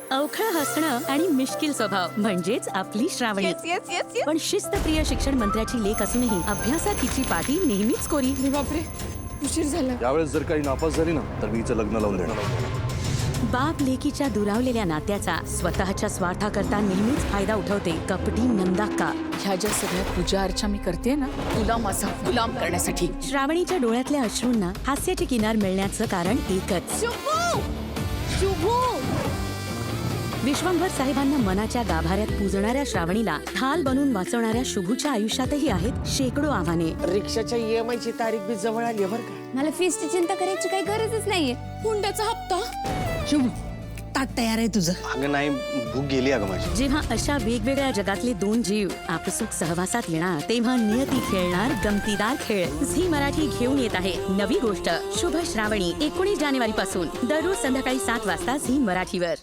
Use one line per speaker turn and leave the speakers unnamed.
अवखळ हसणं आणि मिश्किल स्वभाव म्हणजेच आपली Shravani.
Yes yes yes yes.
पण शिस्तप्रिय शिक्षण मंत्र्याची लेख असूनही अभ्यासात हिची पाठी नेहमीच कोरी.
अरे बापरे, उशीर झाला.
यावेळेस जर काही नापास झाली ना तर मी हिचं लग्न लावून देणार.
बाप लेकीच्या दुरावलेल्या नात्याचा स्वतःच्या स्वार्थाकरता नेहमीच फायदा उठवते कपटी नंदाक्का.
ह्या ज्या सगळ्या पूजा अर्चा मी करते ना, तुला माझा गुलाम करण्यासाठी.
श्रावणीच्या डोळ्यातल्या अश्रूंना हास्याची किनार मिळण्याचं कारण एकच.
शुभू शुभू.
विश्वंभर साहेबांना मनाच्या गाभाऱ्यात पूजणाऱ्या श्रावणीला ढाल बनून वाचवणाऱ्या शुभूच्या आयुष्यातही आहेत शेकडो आव्हाने.
रिक्षाच्या EMI ची तारीख बी जवळ आली बरं का.
मला फीसची चिंता करायची काही गरजच नाहीये.
हुंड्याचा हप्ता.
शुभ ताट तयार आहे तुझं.
अगं नाही, भूक गेली अगं माझी.
जेव्हा अशा वेगवेगळ्या जगातले दोन जीव आपसूक सहवासात येणार तेव्हा नियती खेळणार गमतीदार खेळ. झी मराठी घेऊन येत आहे नवी गोष्ट शुभ श्रावणी. 19 जानेवारी पासून दररोज संध्याकाळी 7 वाजता झी मराठीवर.